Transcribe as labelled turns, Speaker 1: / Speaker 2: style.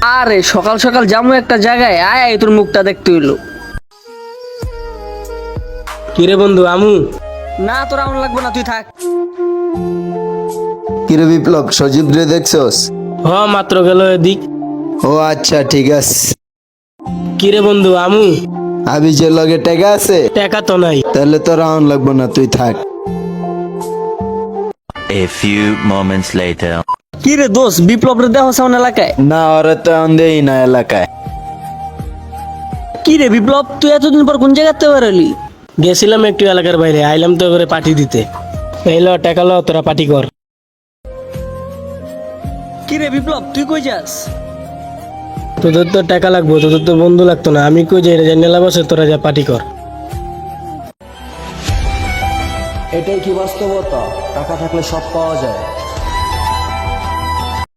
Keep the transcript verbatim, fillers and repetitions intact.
Speaker 1: আরে সকাল সকাল যাবো একটা জায়গায়, আয় আয় তোর মুখটা দেখতে হইলো।
Speaker 2: কিরে বন্ধু আমু?
Speaker 1: না তোর এমন লাগবে না, তুই থাক।
Speaker 3: কিরে বিপ্লব, সজীব রে দেখছস?
Speaker 2: হ মাত্র গেল এদিক।
Speaker 3: ও আচ্ছা ঠিক আছে।
Speaker 2: কিরে বন্ধু আমু?
Speaker 3: আবি যে লগে টেকা আছে,
Speaker 2: টাকা তো নাই।
Speaker 3: তাহলে তো রাউন্ড লাগবে না, তুই থাক।
Speaker 4: A few moments later.
Speaker 1: কি রে দোস্ত, বিপ্লব রে দেহ সামনে এলাকায়?
Speaker 3: না, ওরা তো দেই না এলাকায়।
Speaker 1: কি রে বিপ্লব, তুই এতদিন পর কোন জায়গাতে বেরোলি?
Speaker 2: গেছিলাম একটু এলাকার বাইরে, আইলাম তো এবারে পার্টি দিতে। এই ল টাকা ল, তোরা পার্টি কর।
Speaker 1: কি রে বিপ্লব, তুই কই যাস?
Speaker 2: তোদের তো টাকা লাগবো, তোদের তো বন্ধু লাগতো না। আমি কই যাই জানি না, বসে তোরা যা পার্টি কর।
Speaker 5: এটাই কি বাস্তবতা? টাকা থাকলে সব পাওয়া যায়।